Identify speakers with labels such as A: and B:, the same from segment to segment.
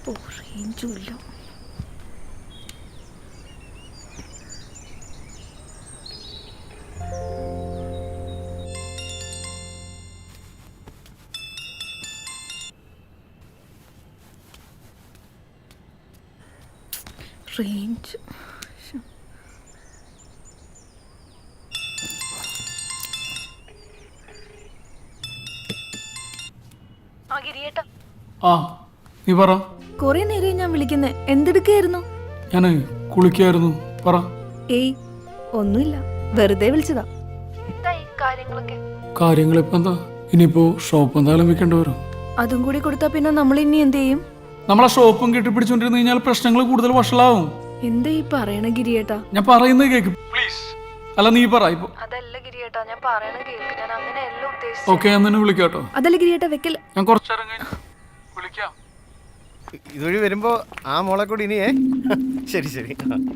A: റേഞ്ചുമില്ല. Range
B: നീ പറ.
A: കൊറേ നേരം ഞാൻ വിളിക്കുന്നേ, എന്തെടുക്കായിരുന്നു?
B: ഞാൻ കുളിക്കായിരുന്നു. പറ.
A: ഏയ് ഒന്നുമില്ല, വെറുതെ വിളിച്ചതാ.
B: കാര്യങ്ങൾ ഇപ്പൊ എന്താ? ഇനിയിപ്പോ ഷോപ്പ് എന്തായാലും വെക്കേണ്ടി വരും.
A: അതും കൂടി കൊടുത്താ പിന്നെ നമ്മൾ ഇനി എന്ത് ചെയ്യും?
B: നമ്മളെ ഷോപ്പും കെട്ടിപ്പിടിച്ചോണ്ടിരുന്നു കഴിഞ്ഞാൽ പ്രശ്നങ്ങൾ കൂടുതൽ വഷളാവും.
A: എന്താ ഈ പറയണ ഗിരിയേട്ടാ?
B: ഞാൻ പറയുന്നത് കേക്ക് പ്ലീസ്. അല്ല നീ പറ ഇപ്പൊ.
A: അതല്ല ഗിരിയേട്ടാ, ഞാൻ പറയണ കേൾക്ക്. ഞാൻ അങ്ങനെയല്ല ഉദ്ദേശിച്ചത്.
B: ഓക്കേ, ഞാൻ തന്നെ വിളിക്കാട്ടോ.
A: അതല്ല ഗിരിയേട്ടാ, വെക്കൽ.
B: ഞാൻ കുറച്ചേരം കഴിഞ്ഞ് വിളിക്കാം.
C: ഇതുവഴി വരുമ്പോ ആ മോളെ കൂടി ഇനിയേ. ശരി ശരി.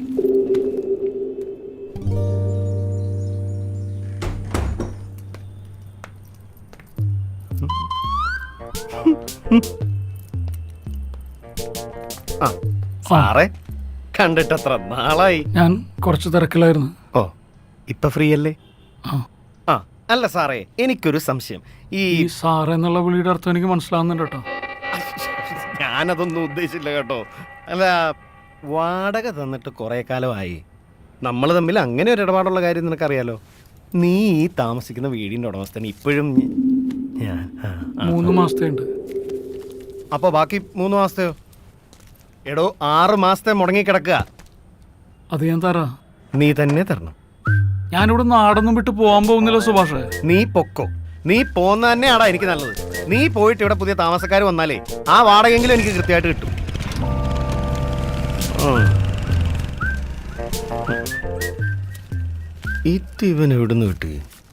C: സാറേ കണ്ടിട്ടത്ര നാളായി.
B: ഞാൻ കുറച്ച് തിരക്കിലായിരുന്നു.
C: ഓ ഇപ്പൊ ഫ്രീ അല്ലേ?
B: ആ.
C: അല്ല സാറേ, എനിക്കൊരു സംശയം. ഈ
B: സാറേ എന്നുള്ള വിളിയുടെ അർത്ഥം എനിക്ക് മനസ്സിലാവുന്നുണ്ട് കേട്ടോ.
C: ഞാനതൊന്നും ഉദ്ദേശിച്ചില്ല കേട്ടോ. അല്ല, വാടക തന്നിട്ട് കുറെ കാലമായി. നമ്മൾ തമ്മിൽ അങ്ങനെ ഒരു ഇടപാടുള്ള കാര്യം നിനക്കറിയാലോ. നീ ഈ താമസിക്കുന്ന വീടിന്റെ ഉടമസ്ഥൻ ഇപ്പോഴും
B: 3 മാസത്തെ ഉണ്ട്.
C: അപ്പോൾ ബാക്കി 3 മാസത്തെയോ? എടോ 6 മാസത്തെ മുടങ്ങിക്കിടക്കുക.
B: അത് ഞാൻ തരാം.
C: നീ തന്നെ തരണം.
B: ഞാനിവിടെ നാടൊന്നും വിട്ട് പോകാൻ പോകുന്നില്ല സുഭാഷേ.
C: നീ പൊക്കോ. നീ പോന്ന തന്നെയാടാ എനിക്ക് നല്ലത്. നീ പോയിട്ട് ഇവിടെ പുതിയ താമസക്കാർ വന്നാലേ ആ വാടകയെങ്കിലും എനിക്ക് കൃത്യമായിട്ട് കിട്ടും. ഇവൻ എവിടുന്ന് കിട്ടി?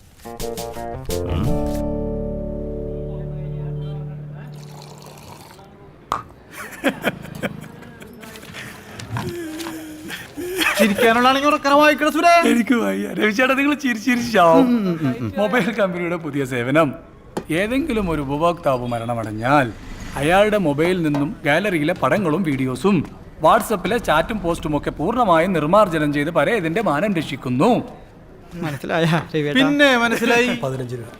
B: എനിക്ക് വയ്യ രവിചേട്ടാ, നിങ്ങൾ ചിരിച്ചിരിച്ചാവും. മൊബൈൽ കമ്പനിയുടെ പുതിയ സേവനം. ഏതെങ്കിലും ഒരു ഉപഭോക്താവ് മരണമടഞ്ഞാൽ അയാളുടെ മൊബൈലിൽ നിന്നും ഗാലറിയിലെ പടങ്ങളും വീഡിയോസും വാട്സപ്പിലെ ചാറ്റും പോസ്റ്റും ഒക്കെ പൂർണ്ണമായും നിർമ്മാർജ്ജനം ചെയ്ത് പരേതിന്റെ മാനം രക്ഷിക്കുന്നു.
C: പിന്നെ മനസ്സിലായി.
B: 15 രൂപ.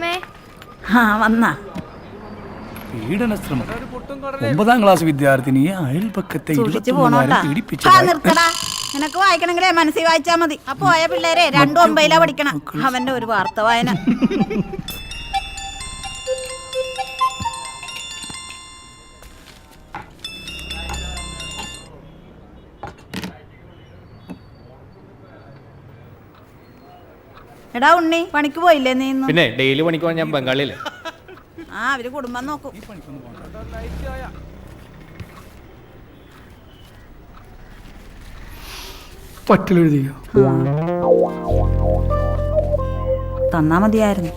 B: പീഡന ശ്രമം. 9ാം ക്ലാസ് വിദ്യാർത്ഥിനിയെ അയൽപക്കത്തെ 21 പീഡിപ്പിച്ചു.
D: നിനക്ക് വായിക്കണമെങ്കിലേ മനസ്സിൽ വായിച്ചാ മതി. അപ്പൊ പോയ പിള്ളേരെ 2-9 പഠിക്കണം. അവന്റെ ഒരു വാർത്ത വായന. എടാ ഉണ്ണി, പണിക്ക് പോയില്ലേ നീ?
E: പിന്നെ ഡെയിലി പണിക്ക് പോകാൻ ഞാൻ ബംഗാളിയല്ലേ.
D: അവര് കുടുംബം നോക്കും.
B: പറ്റിലെഴുതിയോ?
D: തന്നാ മതിയായിരുന്നു.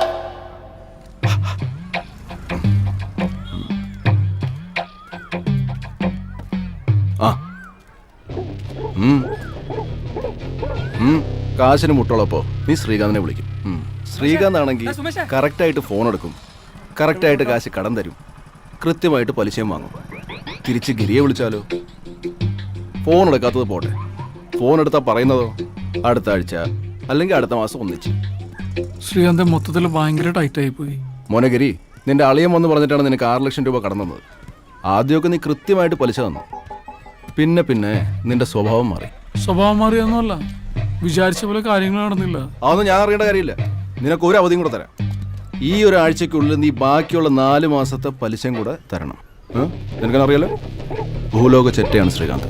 F: കാശിന് മുട്ടുള്ളപ്പോ നീ ശ്രീകാന്തിനെ വിളിക്കും. ശ്രീകാന്ത് ആണെങ്കിൽ കറക്റ്റായിട്ട് ഫോൺ എടുക്കും, കറക്റ്റായിട്ട് കാശ് കടം തരും, കൃത്യമായിട്ട് പലിശയും വാങ്ങും. തിരിച്ച് ഗിരിയെ വിളിച്ചാലോ? ഫോൺ എടുക്കാത്തത് പോട്ടെ, ഫോൺ എടുത്താൽ പറയുന്നതോ അടുത്ത ആഴ്ച അല്ലെങ്കിൽ അടുത്ത മാസം ഒന്നിച്ച്.
B: ശ്രീകാന്ത് മൊത്തത്തിൽ ഭയങ്കര ടൈറ്റായി പോയി.
F: മോനഗിരി, നിന്റെ അളിയൻ വന്ന് പറഞ്ഞിട്ടാണ് നിനക്ക് 6 ലക്ഷം രൂപ കടം തന്നത്. ആദ്യമൊക്കെ നീ കൃത്യമായിട്ട് പലിശ തന്നു, പിന്നെ പിന്നെ നിന്റെ സ്വഭാവം മാറി.
B: സ്വഭാവം മാറിയൊന്നുമല്ല, വിചാരിച്ച പോലെ കാര്യങ്ങൾ നടന്നില്ല.
F: അതൊന്നും ഞാൻ അറിയേണ്ട കാര്യമില്ല. നിനക്ക് ഒരു അവധിയും കൂടെ തരാം. ഈ ഒരാഴ്ചക്കുള്ളിൽ നീ ബാക്കിയുള്ള 4 മാസത്തെ പലിശയും കൂടെ തരണം. നിനക്കറിയാലോ, ഭൂലോക ചെറ്റയാണ് ശ്രീകാന്ത്.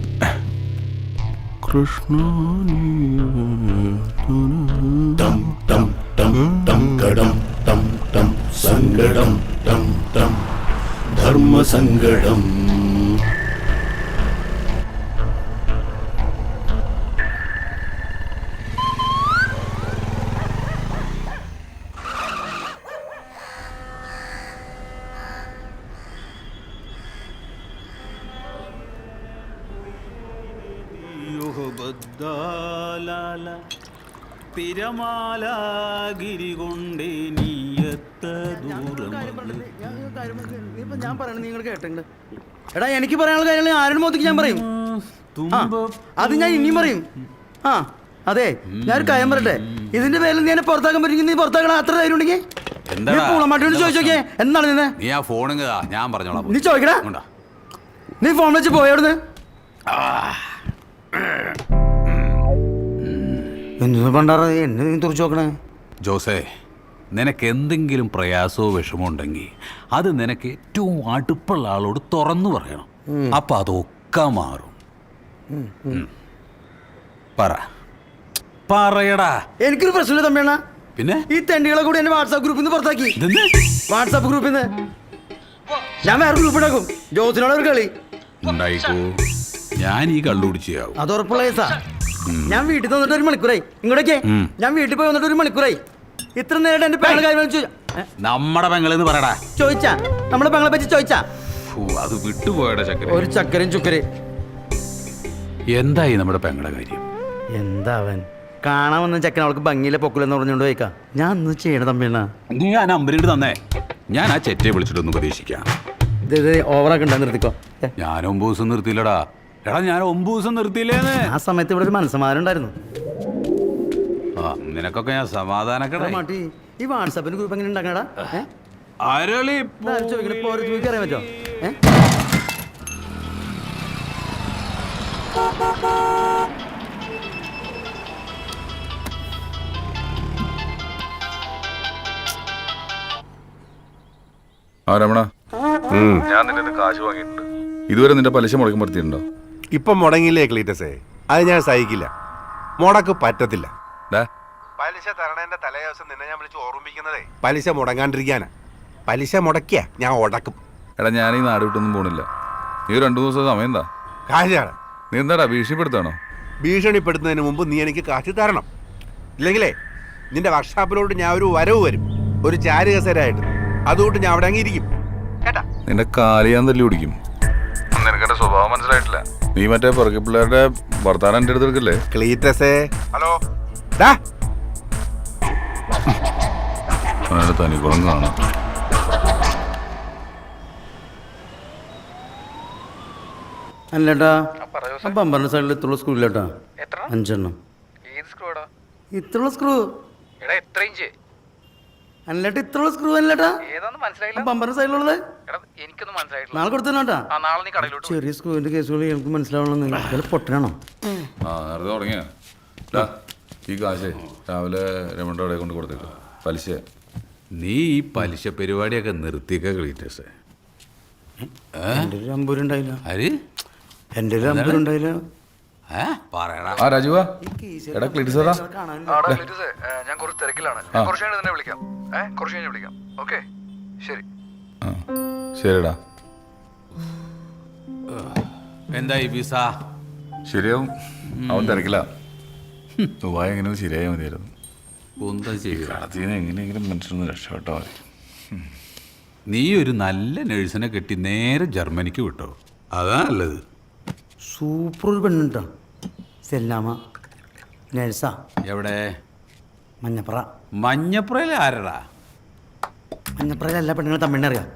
F: കൃഷ്ണ സങ്കടം ധർമ്മസങ്കടം.
G: തിരമാലാഗിരി കൊണ്ടേ നീയത്ത ദൂരം.
C: ഞാൻ പറയണത് നിങ്ങൾ കേട്ടിട്ടുണ്ട്.
G: എടാ എനിക്ക് പറയാനുള്ള കാര്യങ്ങൾ ആരുടെ മുഖത്തേക്ക് ഞാൻ പറയും. ആ, അത് ഞാൻ ഇനിയും പറയും. ആ അതെ, ഞാനൊരു കാര്യം പറയട്ടെ. ഇതിന്റെ പേരിൽ നീ എന്നെ പുറത്താക്കാൻ പറ്റുമെങ്കിൽ നീ പുറത്താക്കണം. അത്ര ധൈര്യം ഉണ്ടെങ്കിൽ പൂളമാട്ടിയോട് ചോദിച്ചോക്കേ. എന്താണ് നിന്നെ
H: നീ ആ ഫോണും ഞാൻ പറഞ്ഞോളാം.
G: നീ ചോദിക്കടാ. നീ ഫോൺ വെച്ച് പോയവിടുന്ന്. എന്ത് പണ്ടാറ എന്നെ നീ തുറച്ചു നോക്കണേ?
H: ജോസേ, നിനക്ക് എന്തെങ്കിലും പ്രയാസമോ വിഷമോ ഉണ്ടെങ്കിൽ അത് നിനക്ക് ഏറ്റവും അടുപ്പുള്ള ആളോട് തുറന്നു പറയണം. അപ്പൊ അതൊക്കെ മാറും. പറയടാ.
G: എനിക്കൊരു പ്രശ്നമില്ല തമ്മിയണ്ണ.
H: പിന്നെ
G: ഈ തെണ്ടികളെ കൂടി എന്നെ വാട്സാപ്പ് ഗ്രൂപ്പിൽ നിന്ന് പുറത്താക്കി. വാട്സാപ്പ് ഗ്രൂപ്പിൽ നിന്ന് ഞാൻ വേറെ ഗ്രൂപ്പ് ഉണ്ടാക്കും. ജോസിനോട് ഒരു കളി
H: ഉണ്ടായിക്കോ. ഞാൻ ഈ കള്ളുപിടിച്ചാവും.
G: അത് ഉറപ്പുള്ള കേസാ. ഞാൻ വീട്ടിൽ വന്നിട്ട് 1 മണിക്കൂറായി. ഇങ്ങോട്ടേക്ക് ഞാൻ വീട്ടിൽ പോയി വന്നിട്ട് 1 മണിക്കൂറായി. ഇത്ര നേരം എന്റെ പെങ്ങളെ കാര്യം
H: നമ്മടെ പെങ്ങളെന്ന് പറയടാ.
G: ചോദിച്ചാ നമ്മളെ പെങ്ങളെ പറ്റി ചോദിച്ചാ?
H: അത് വിട്ടുപോയടാ ചക്കര.
G: ഒരു ചക്കരയും ചുക്കര്.
H: എന്തായി നമ്മുടെ പെങ്ങളുടെ കാര്യം?
G: എന്താവൻ കാണാൻ വന്ന ചക്കൻ അവൾക്ക് ഭംഗിയിലെ പൊക്കിലെന്ന് പറഞ്ഞുകൊണ്ട് പോയിക്കാ. ഞാൻ ഒന്ന് ചെയ്യണ തമ്മിണ്ണ.
H: നീ ആ നമ്പറിട്ട് തന്നേ. ഞാൻ ആ ചെറ്റയെ വിളിച്ചിട്ടൊന്ന് ഉപദേശിക്കാം.
G: ഇത് ഓവറാക്കണ്ട, നിർത്തിക്കോ.
H: ഞാൻ 9 ദിവസം നിർത്തിയില്ലടാ. എടാ ഞാൻ 9 ദിവസം നിർത്തിയില്ലേന്ന്.
G: ആ സമയത്ത് ഇവിടെ ഒരു മനസ്സമാരം ഉണ്ടായിരുന്നു.
H: ആ നിനക്കൊക്കെ ഞാൻ സമാധാനക്കട.
G: മാട്ടി ഈ വാട്സാപ്പിന് ഗ്രൂപ്പ് എങ്ങനെ ഉണ്ടാക്കണടാ?
H: അരളി
G: ചോദിക്കാൻ അറിയാൻ പറ്റോ?
I: ആ രമണ, ഞാൻ നിന്റെ കാശ് വാങ്ങിയിട്ടുണ്ട്. ഇതുവരെ നിന്റെ പലിശ മുടക്കം വരുത്തിയിട്ടുണ്ടോ?
C: ഇപ്പം മുടങ്ങിയില്ലേ ക്ലീറ്റസേ? അത് ഞാൻ സഹിക്കില്ല. മുടക്ക് പറ്റത്തില്ല. പലിശ തരണേന്റെ തലേ ദിവസം നിന്നെ ഞാൻ വിളിച്ച് ഓർമ്മിപ്പിക്കുന്നതേ പലിശ മുടങ്ങാണ്ടിരിക്കാനാ. പലിശ മുടക്കിയ ഞാൻ ഉടക്കും.
I: എടാ ഞാൻ ഈ നാട് വിട്ടൊന്നും പോണില്ല. നീ 2 ദിവസം സമയം എന്താ?
C: കാശാണ്.
I: നീ എന്താടാ ഭീഷണിപ്പെടുത്താണോ?
C: ഭീഷണിപ്പെടുത്തുന്നതിന് മുമ്പ് നീ എനിക്ക് കാശ് തരണം. ഇല്ലെങ്കിലേ നിന്റെ വർക്ക്ഷോപ്പിലോട്ട് ഞാൻ ഒരു വരവ് വരും, ഒരു ചാരുകസരായിട്ട്. അതുകൊണ്ട് ഞാൻ അവിടെ അങ്ങിരിക്കും കേട്ടാ.
I: നിന്റെ കാല് ഞാൻ തല്ലി പിടിക്കും. നിനക്കെന്റെ സ്വഭാവം മനസ്സിലായിട്ടില്ല. നീ മറ്റേ പുറകെ പിള്ളേരുടെ വർത്താനം എൻ്റെ അടുത്ത് എടുക്കല്ലേ?
C: ക്ലീറ്റസേ, ഹലോ.
I: തനിക്കുളം കാണാം.
G: അല്ലേട്ടാ, പമ്പറിന്റെ സൈഡിൽ ഇത്രയുള്ള സ്ക്രൂ ഇല്ലേട്ടാ? 5 എണ്ണം. ഇത്രയുള്ള സ്ക്രൂ അല്ലേട്ടാ? ഇത്രയുള്ള സ്ക്രൂ അല്ലേട്ടാ? പമ്പറിന്റെ സൈഡിലുള്ളത് നാളെ കൊടുത്തേട്ടാ. ചെറിയ സ്ക്രൂവിന്റെ കേസുകൾ എനിക്ക് മനസ്സിലാവണം. പൊട്ടനാണോ?
I: ആ നേരത്തെ തുടങ്ങിയ ഈ കാശേ രാവിലെ രമണിയുടെ അവിടെ കൊണ്ട് കൊടുത്തേക്ക്. പലിശ
H: നീ ഈ പലിശ പരിപാടിയൊക്കെ നിർത്തിയൊക്കെ ക്ലീറ്റസേ.
G: എൻ്റെ ഒരു അമ്പൂരുണ്ടായില്ല.
H: ആര്?
G: എൻ്റെ ഒരു അമ്പൂരുണ്ടായില്ല.
H: പറയടാ.
I: ആ രാജുവാ, എടാ ക്ലീറ്റസേടാ.
B: ഞാൻ കുറച്ച് തിരക്കിലാണ്. കുറച്ച് കഴിഞ്ഞ് തന്നെ വിളിക്കാം. കുറച്ച് കഴിഞ്ഞ് വിളിക്കാം. ഓക്കെ, ശരി.
I: ആ ശരിടാ.
H: എന്തായി വിസ?
I: ശരിയാവും. അവൻ തിരക്കില്ല. ദുബായ് എങ്ങനെയൊന്നും ശരിയായാൽ മതിയായിരുന്നു.
H: എന്താ ചെയ്യുക?
I: അതിന് എങ്ങനെയെങ്കിലും മനുഷ്യനൊന്ന് രക്ഷപ്പെട്ടാൽ മതി.
H: നീ ഒരു നല്ല നഴ്സിനെ കെട്ടി നേരെ ജർമ്മനിക്ക് വിട്ടോ. അതാ നല്ലത്.
G: സൂപ്പർ ഒരു പെണ്ണുണ്ടോ? സെല്ലാമ നേഴ്സാ.
H: എവിടെ?
G: മഞ്ഞപ്പുറ.
H: മഞ്ഞപ്പുറയിൽ ആരടാ?
G: മഞ്ഞപ്പുറയിൽ എല്ലാ പെണ്ണുങ്ങളും തമ്മിണ്ണറിയാം.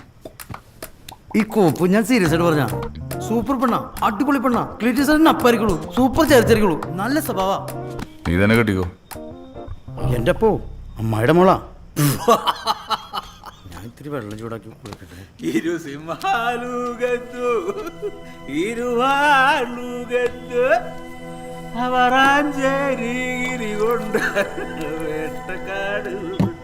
G: ഈ കോപ്പ് ഞാൻ സീരിയസ് ആയിട്ട് പറഞ്ഞ സൂപ്പർ പെണ്ണ, അടിപൊളി പെണ്ണ. ക്ലീറ്റസറിന് അപ്പായിരിക്കുള്ളൂ. സൂപ്പർ ചേർച്ചരിക്കുള്ളൂ. നല്ല സ്വഭാവ.
I: നീ തന്നെ കെട്ടിക്കോ.
G: എൻ്റെ അപ്പോ അമ്മായിയുടെ മോളാ. ഞാൻ ഇത്തിരി വെള്ളം ചൂടാക്കി കൊടുക്കട്ടെ.
B: അവറാഞ്ചേരി കൊണ്ട് വേട്ടക്കാട്